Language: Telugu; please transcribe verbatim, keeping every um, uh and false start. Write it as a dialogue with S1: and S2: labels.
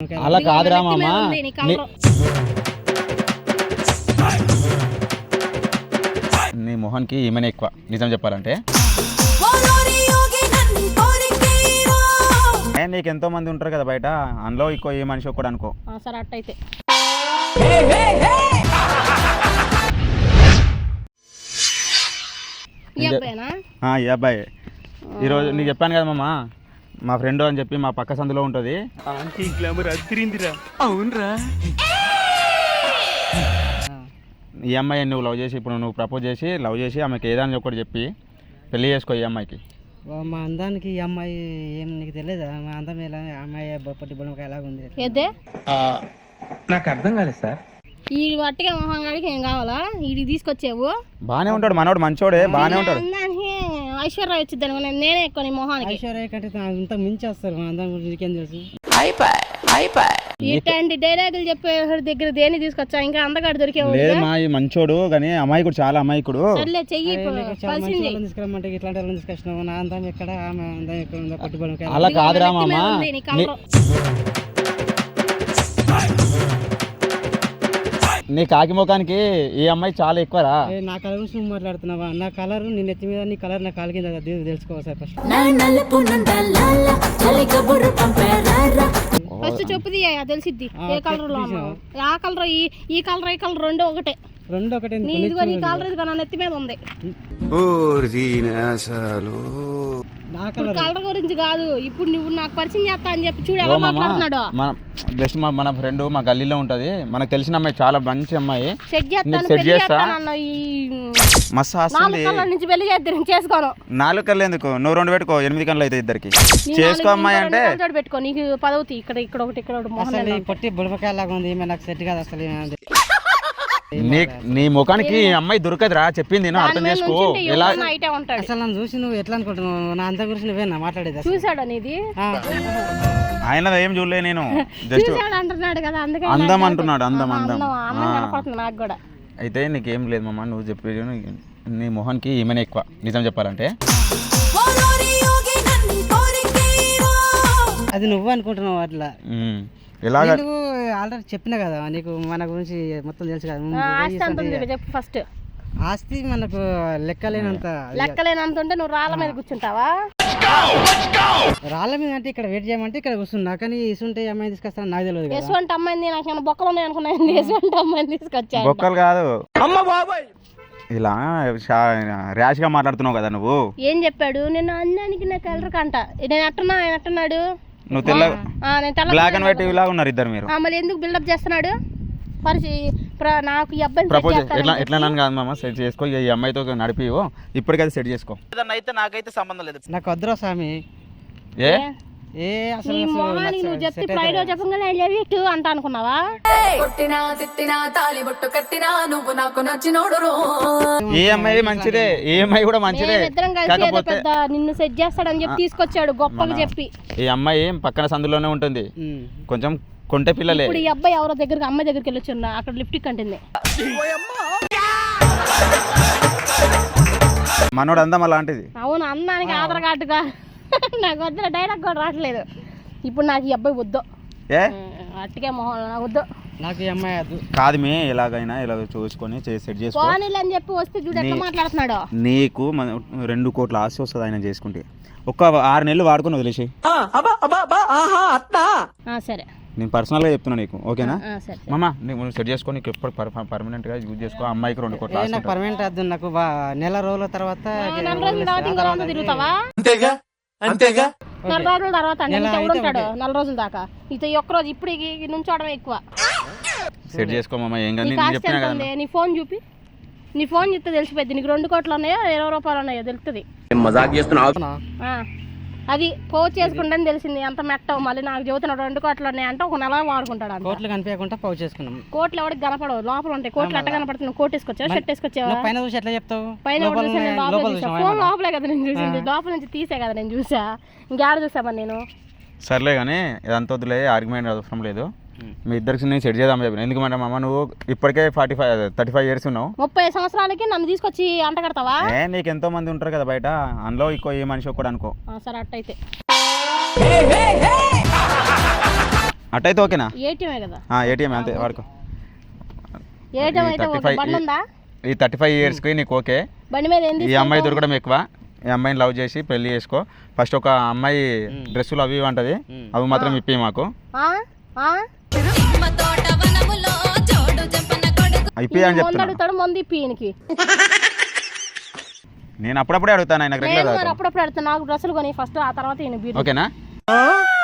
S1: అలా కాదురా మామ, నీ మొహన్కి ఈమెనే ఎక్కువ నిజం చెప్పాలంటే. నీకు ఎంతో మంది ఉంటారు కదా బయట, అందులో ఎక్కువ ఏ మనిషి ఒక్కడు అనుకో.
S2: సరే అట్టయితే
S1: ఈ అబ్బాయి ఈరోజు నీకు చెప్పాను కదా మామ, మా ఫ్రెండ్ అని చెప్పి మా పక్క సందులో ఉంటుంది. అవునరా, ఈ అమ్మాయి నువ్వు లవ్ చేసి ఇప్పుడు నువ్వు ప్రపోజ్ చేసి లవ్ చేసి ఆమెకి ఏదని ఒకటి చెప్పి పెళ్లి చేసుకో ఈ అమ్మాయికి.
S3: మా అందానికి ఈ అమ్మాయి ఏం నీకు తెలియదా? మా అందం ఎలా అమ్మాయి బొప్పటి బొమ్మక ఎలాగుంది?
S2: ఏదే
S4: నాకు అర్థం కాలేదు సార్.
S2: ఈ వట్టిగా మొహంగాడికి ఏం కావాలా? వీడికి తీసుకొచ్చావు.
S1: బానే ఉంటాడు మనోడు, మంచోడే, బానే ఉంటాడు.
S2: ఐశ్వర్య వచ్చింది అనుకో, నేనే ఎక్కువ నీ మొహానికి.
S3: ఐశ్వర్య కంటే అంత మించి వస్తారు. మా అందం గురించి నీకేం తెలుసు?
S2: ఇట్లాంటి డైలాగులు చెప్పే దగ్గర దేని తీసుకొచ్చా? ఇంకా అందగాడు దొరికేవు.
S1: మా మంచోడు కానీ అమాయకుడు, చాలా అమాయకుడు.
S2: సర్లే చెయ్యి
S3: తీసుకురమ్మంటే ఇట్లాంటి వాళ్ళని తీసుకొచ్చినావు. నా అందం ఎక్కడ, ఆమె అందం ఎక్కడ ఉందో పట్టుబడి.
S1: అలా కాదురా మామ, నీ కాకి ముఖానికి ఈ అమ్మాయి చాలా ఎక్కువరా.
S3: నా కలర్ గురించి నువ్వు మాట్లాడుతున్నావా? నా కలర్ నీ నెత్తి మీద, నీ కలర్ నా కాలు కింద తెలుసుకోవాలి సార్. ఫస్ట్
S2: ఫస్ట్ చెప్పుది తెలిసిద్ది ఏ కలర్ లో ఆ కలర్, ఈ కలర్ ఈ కలర్ రెండు ఒకటే.
S3: రెండు ఒకటే.
S2: నీదిగో నీ కలర్ ఇదిగో నా నెత్తి మీద ఉంది. కలర్ గురించి కాదు, ఇప్పుడు నువ్వు నాకు పరిచయం చేస్తా అని చెప్పి చూడు ఎలా మాట్లాడుతున్నాడు.
S1: బెస్ట్ మన ఫ్రెండ్ మా గల్లీలో ఉంటది, మనకు తెలిసిన అమ్మాయి, చాలా మంచి అమ్మాయి.
S2: సెట్ చేస్తాను నుంచి పెళ్లి చేద్దాం చేసుకోను.
S1: నాలుగు కళ్ళు ఎందుకు, నువ్వు రెండు పెట్టుకో, ఎనిమిది కళ్ళు అయితే ఇద్దరికి. చేసుకో అమ్మాయి అంటే
S2: పెట్టుకో, నీకు పదవుతాయి. ఇక్కడ ఇక్కడ ఒకటి ఇక్కడ ఒకటి
S3: పొట్టి బుడపకాయలాగా ఉంది. నాకు సెట్ కాదు అసలు.
S1: నీ నీ ముఖానికి అమ్మాయి దొరకదురా, చెప్పింది అర్థం చేసుకో. ఎలా
S3: అసలు నన్ను చూసి నువ్వు ఎట్లా అనుకుంటున్నావు? నా అంత గురించి నువ్వేనా మాట్లాడేది?
S2: చూసాడు అనేది
S1: ఆయన ఏం చూడలే, నేను జస్ట్
S2: అంటున్నాడు కదా, అందుకే
S1: అందం అంటున్నాడు. అందం అందం
S2: నాకు కూడా.
S1: అయితే నీకేం లేదు మామ, నువ్వు చెప్పేది నీ మొహన్కి ఈమెనే ఎక్కువ నిజం చెప్పాలంటే.
S3: అది నువ్వు అనుకుంటున్నావు అట్లా.
S1: ఎలాగ
S3: ఆల్రెడీ చెప్పినా కదా నీకు, మన గురించి మొత్తం తెలుసు కదా.
S2: చెప్పు ఫస్ట్.
S3: ఆస్తి మనకు లెక్కలేనంత.
S2: లెక్కలేనంత ఉంటే నువ్వు రాళ్ళ మీద కూర్చుంటావా?
S3: రాళ్ళ మీద అంటే ఇక్కడ వెయిట్ చేయమంటే ఇక్కడ కూర్చున్నా, కానీ ఇసుంటే అమ్మాయి తీసుకొస్తాను నాకు తెలియదు.
S2: ఎటువంటి అమ్మాయింది? నాకు బొక్కలు ఉన్నాయి అనుకున్నాను. ఎటువంటి అమ్మాయిని తీసుకొచ్చా?
S1: బొక్కలు కాదు, ఇలా ర్యాష్ గా మాట్లాడుతున్నావు కదా నువ్వు.
S2: ఏం చెప్పాడు? నేను అన్నానికి నా కలర్ కంట. నేను అట్టున్నా, ఆయన అట్టున్నాడు.
S1: నువ్వు తెల్ల బ్లాక్ అండ్ వైట్ ఇలాగా ఉన్నారు ఇద్దరు మీరు.
S2: మళ్ళీ ఎందుకు బిల్డప్ చేస్తున్నాడు? పరిచి నాకు ఈ అబ్బాయి
S1: ప్రపోజ్ ఎట్లా ఎట్లా నన్ను కాదు మామ, సెట్ చేసుకో. ఈ అమ్మాయితో నడిపి ఇప్పటికైతే సెట్ చేసుకో.
S4: అయితే నాకైతే సంబంధం లేదు.
S3: నాకు వద్దురా స్వామి.
S1: ఏ
S3: ఏ అసలు
S2: నువ్వు చెప్తే ఫ్రైడే చెప్పగానే ఐ లవ్ యూ టూ అంట అనుకున్నావా?
S1: ఏ అమ్మాయి మంచిదే, ఏ అమ్మాయి కూడా మంచిదే.
S2: పెద్ద నిన్ను సెట్ చేస్తాడని చెప్పి తీసుకొచ్చాడు గొప్పగా చెప్పి.
S1: ఈ అమ్మాయి పక్కన సందులోనే ఉంటుంది, కొంచెం కొంటె పిల్లలే.
S2: ఇప్పుడు ఈ అబ్బాయి ఎవరో దగ్గరికి, అమ్మాయి దగ్గరికి వెళ్ళొచ్చు, అక్కడ లిఫ్ట్ కంటుంది.
S1: మనోడు అందం అలాంటిది.
S2: అవును, అందానికి ఆధార్ కార్డుగా నాకు వద్దు, డైలాగ్ కూడా రావట్లేదు. ఇప్పుడు నాకు ఈ అబ్బాయి వద్దు, అట్టుకే మొహం నాకు వద్దు.
S3: నాకు ఈ అమ్మాయి వద్దు
S1: కాదు, మే ఎలాగైనా ఇలా చూసుకొని సెట్ చేసుకో
S2: అని చెప్పి వస్తే చూడు ఎట్లా మాట్లాడుతున్నాడు.
S1: నీకు రెండు కోట్ల ఆస్తి వస్తుంది ఆయన చేసుకుంటే. ఒక ఆరు నెలలు వాడుకొని వదిలేసి.
S2: సరే,
S1: నేను పర్సనల్ గా చెప్తున్నా నీకు, ఓకేనా మామా? నువ్వు సెట్ చేసుకో, నీకు ఎప్పుడు పర్మనెంట్ గా యూజ్ చేసుకో. అమ్మాయికి రెండు కోట్ల ఆస్తి.
S3: నాకు పర్మనెంట్ వద్దు, నాకు నెల రోజుల తర్వాత
S2: తిరుగుతావా?
S4: అంతేగా,
S2: నెల రోజుల తర్వాత ఉంటాడు. నెల రోజుల దాకా ఇది ఒక్క రోజు ఇప్పుడు నుంచోవడం ఎక్కువ.
S1: సెట్ చేసుకో మామ, ఏం కానీ
S2: నీ ఫోన్ చూపి, నీ ఫోన్ చూస్తే తెలిసిపోద్ది నీకు రెండు కోట్లు ఉన్నాయో ఇరవై రూపాయలు ఉన్నాయో తెలుస్తుంది. అది పోజ్ చేసుకుంటే తెలిసింది ఎంత మెట్టవు. మళ్ళీ నాకు చెబుతున్నాడు రెండు కోట్లు ఉన్నాయి అంటే ఒక నెల వాడుకుంటాడు.
S3: కోట్లు కనిపించకుండా పోజ్ చేసుకున్నాం.
S2: కోట్లు ఎవరికి కనపడవు, లోపల ఉంటాయి. కోట్లు ఎట్ట కనపడుతున్నావు? Coat వేసుకొచ్చావా, shirt వేసుకొచ్చావా?
S3: పైన చూసి ఎట్లా చెప్తావు?
S2: పైన ఫోన్ లోపలే కదా నేను చూసింది, లోపల నుంచి తీసే కదా నేను చూసా. ఇంకేడ చూసామని నేను.
S1: సర్లే కానీ ఇదంతా వద్దులే, ఆర్గ్యుమెంట్ అవసరం లేదు. మీ ఇద్దరికి నేను సెట్ చేద్దాం చెప్పిన. ఎందుకంటే మామ నువ్వు ఇప్పటికే forty five thirty five years ఉన్నావు.
S2: ముప్పై సంవత్సరాలకి నన్ను తీసుకొచ్చి అంట కడతావా?
S1: ఏ నీకు ఎంతో మంది ఉంటారు కదా బయట, అందులో ఎక్కువ ఏ మనిషి ఒక్కడు అనుకో.
S2: సరే అట్టయితే
S1: అట్టయితే ఓకేనా?
S2: ఏటీఎమే కదా.
S1: ఏటీఎం అంతే వాడుకో.
S2: ఏటీఎం
S1: ఈ
S2: అయితే
S1: థర్టీ
S2: ఓకే.
S1: ఫైవ్
S2: బండి ఉందా?
S1: ఈ థర్టీ ఫైవ్ ఇయర్స్కి నీకు ఓకే.
S2: బండి మీద ఏంది?
S1: ఈ అమ్మాయి దొరకడం ఎక్కువ. ఈ అమ్మాయిని లవ్ చేసి పెళ్లి చేసుకో. ఫస్ట్ ఒక అమ్మాయి డ్రెస్సులు అవి ఇవి అంటది, అవి మాత్రం ఇప్పి మాకు ఇప్పి అని చెప్తున్నా.
S2: అడుగుతాడు మంది ఇప్పి ఈయనకి.
S1: నేను అప్పుడప్పుడే అడుగుతాను, ఆయనకు రెగ్యులర్.
S2: అప్పుడప్పుడు అడుగుతాను. నాకు డ్రెస్సులు కొని ఫస్ట్, ఆ తర్వాత ఈయన.
S1: ఓకేనా?